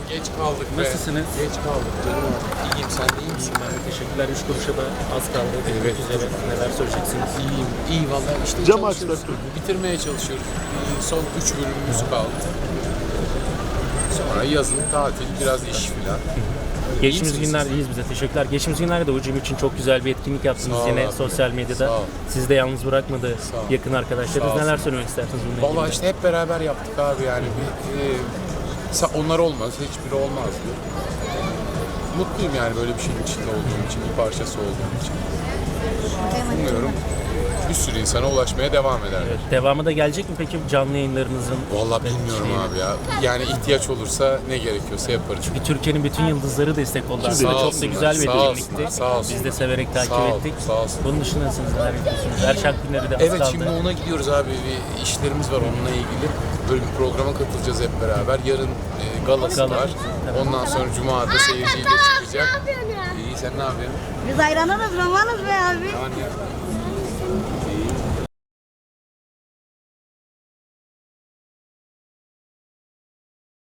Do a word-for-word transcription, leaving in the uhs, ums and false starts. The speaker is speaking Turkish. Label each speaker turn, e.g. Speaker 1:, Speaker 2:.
Speaker 1: geç kaldık be.
Speaker 2: Nasılsınız?
Speaker 1: Geç kaldık canım. İyiyim, sen de iyi misin?
Speaker 2: Ben de teşekkürler. Üç kuruşa da az kaldı.
Speaker 1: Evet.
Speaker 2: Üzere. Neler söyleyeceksiniz?
Speaker 1: İyiyim, iyi vallahi işte
Speaker 3: Cam
Speaker 1: çalışıyoruz.
Speaker 3: açtı.
Speaker 1: Bitirmeye çalışıyoruz. Ee, Son üç bölümümüz kaldı. Sonra yazın tatil, biraz iş filan.
Speaker 2: Geçtiğimiz
Speaker 1: misiniz
Speaker 2: günler
Speaker 1: siz?
Speaker 2: iyiyiz bize. Teşekkürler. Geçtiğimiz günlerde de Ucum için çok güzel bir etkinlik yaptınız
Speaker 1: Sağ ol
Speaker 2: yine
Speaker 1: abi.
Speaker 2: sosyal medyada.
Speaker 1: Sağ ol.
Speaker 2: Sizi de yalnız bırakmadı
Speaker 1: Sağ ol.
Speaker 2: yakın arkadaşlarınız.
Speaker 1: Sağ ol.
Speaker 2: Neler söylemek istersiniz bununla ilgili?
Speaker 1: Vallahi işte hep beraber yaptık abi yani. Bir, e, sa- onlar olmaz, hiçbiri olmazdı. Mutluyum yani böyle bir şeyin içinde olduğum için, bir parçası olduğum için. Umuyorum bir sürü insana ulaşmaya devam eder.
Speaker 2: Evet, devamı da gelecek mi peki canlı yayınlarınızın?
Speaker 1: Vallahi bilmiyorum
Speaker 2: Şeyini.
Speaker 1: abi ya. Yani ihtiyaç olursa ne gerekiyorsa yaparız.
Speaker 2: Çünkü Türkiye'nin bütün yıldızları destek oldu.
Speaker 1: Sağ
Speaker 2: Aslında çok da
Speaker 1: olsunlar,
Speaker 2: güzel bir
Speaker 1: sağ
Speaker 2: etkinlikti.
Speaker 1: olsunlar, sağ olsunlar.
Speaker 2: Biz de severek takip
Speaker 1: Sağ ol,
Speaker 2: ettik.
Speaker 1: sağ olsun.
Speaker 2: Bunun dışında siz neler yapıyorsunuz? Erşak günleri de az
Speaker 1: Evet
Speaker 2: kaldı.
Speaker 1: şimdi ona gidiyoruz abi. Bir işlerimiz var onunla ilgili. Böyle bir programa katılacağız hep beraber. Yarın e, galası
Speaker 2: Gala.
Speaker 1: var.
Speaker 2: Evet.
Speaker 1: Ondan sonra Cuma'da seyirciyle çıkacak. İyi sen ne yapıyorsun?
Speaker 4: Biz hayranlarız, romanız be abi.
Speaker 1: Aman ya.